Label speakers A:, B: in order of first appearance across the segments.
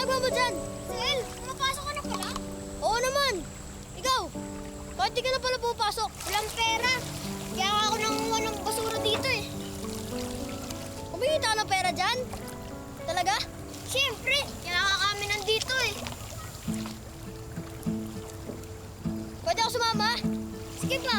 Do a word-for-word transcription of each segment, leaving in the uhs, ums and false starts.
A: ginagawa mo dyan?
B: Sel, pumapasok ka na pala?
A: Oo naman. Ikaw, bakit di ka na pala pupasok?
B: Walang pera. Kaya ako nangunguha ng basura dito eh.
A: Kumikita ka ng pera dyan? Talaga?
B: Siyempre, kailangan kami nandito eh.
A: Pwede ako sumama?
B: Sige pa.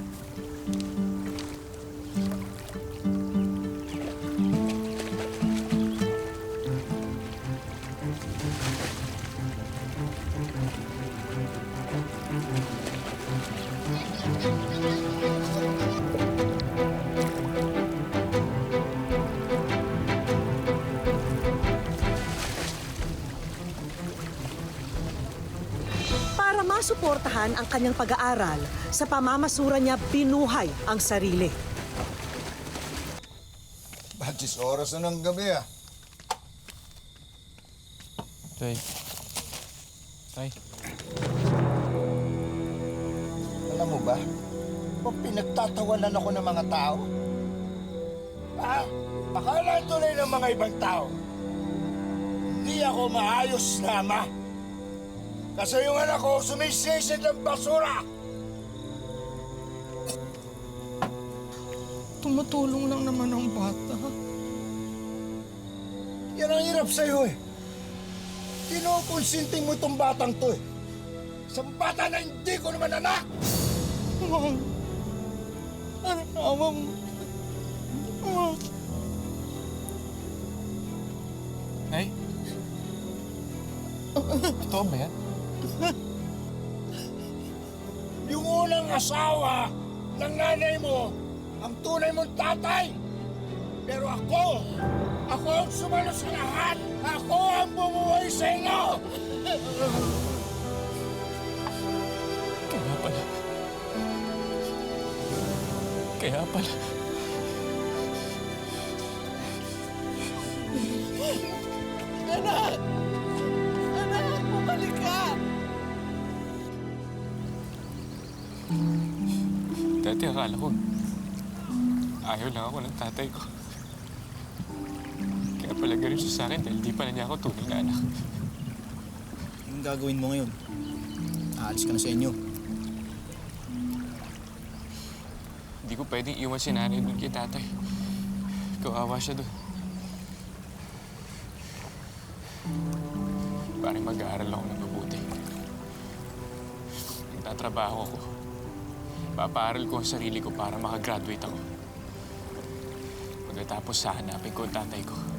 C: Para masuportahan ang kanyang pag-aaral, sa pamamasura niya binuhay ang sarili.
D: Batis oras na ng gabi ah.
E: Tay. Tay.
D: Alam mo ba, kung pinagtatawanan ako ng mga tao, ah, akala tuloy ng mga ibang tao, hindi ako maayos na ama. Kasi yung anak ko sumisisid ng basura.
E: Tumutulong lang naman ang bata.
D: Yan ang hirap sa'yo eh. Kinukonsinti mo itong batang to eh. Isang bata na hindi ko naman anak!
E: Mom, ano awa mo? Mom. Nay? Totoo ba yan?
D: Yung unang asawa ng nanay mo, ang tunay mong tatay. Pero ako, ako ang sumalo sa lahat. Ako ang bumuhay sa inyo.
E: Kaya pala. Kaya pala.
C: Anak! Anak, bumalik ka!
E: Dati akala ko, ayaw lang ako ng tatay ko. Kaya pala ganun siya sa akin dahil di pala niya ako tunay na anak.
F: Anong gagawin mo ngayon? Aalis ka na sa inyo.
E: Hindi ko pwedeng iwan si nanay doon kay tatay. Kawawa siya doon. Parang mag-aaral ako ng mabuti. Nagtatrabaho ako. Papaaral ko ang sarili ko para makagraduate ako. Pagkatapos, hahanapin ko ang tatay ko.